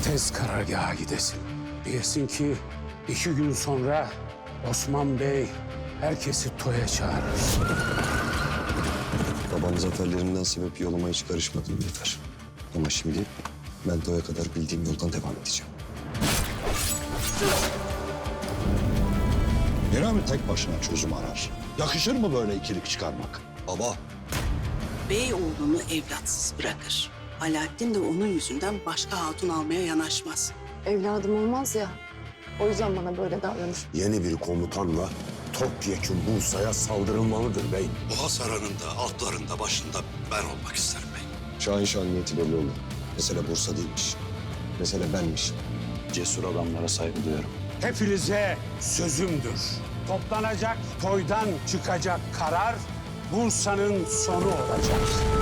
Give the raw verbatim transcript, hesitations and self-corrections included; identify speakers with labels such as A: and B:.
A: tez karargaha gidesin. Diyesin ki iki gün sonra Osman Bey herkesi toya çağırır.
B: Babam zaferlerinden sebep yoluma hiç karışmadım yeter. Ama şimdi ben toya kadar bildiğim yoldan devam edeceğim.
C: Nerami tek başına çözüm arar. Yakışır mı böyle ikilik çıkarmak?
B: Baba,
D: Bey oğlunu evlatsız bırakır. Alaaddin de onun yüzünden başka hatun almaya yanaşmaz.
E: Evladım olmaz ya. O yüzden bana böyle davranır.
F: Yeni bir komutanla topyekun Bursa'ya saldırılmalıdır bey.
G: Bu hasarının da altlarında başında ben olmak isterim bey.
B: Şahin Şah'ın niyeti belli oldu. Mesele Bursa değilmiş. Mesele benmiş.
G: Cesur adamlara saygı duyuyorum.
A: Hepinize sözümdür. Toplanacak toydan çıkacak karar Bursa'nın sonu olacak.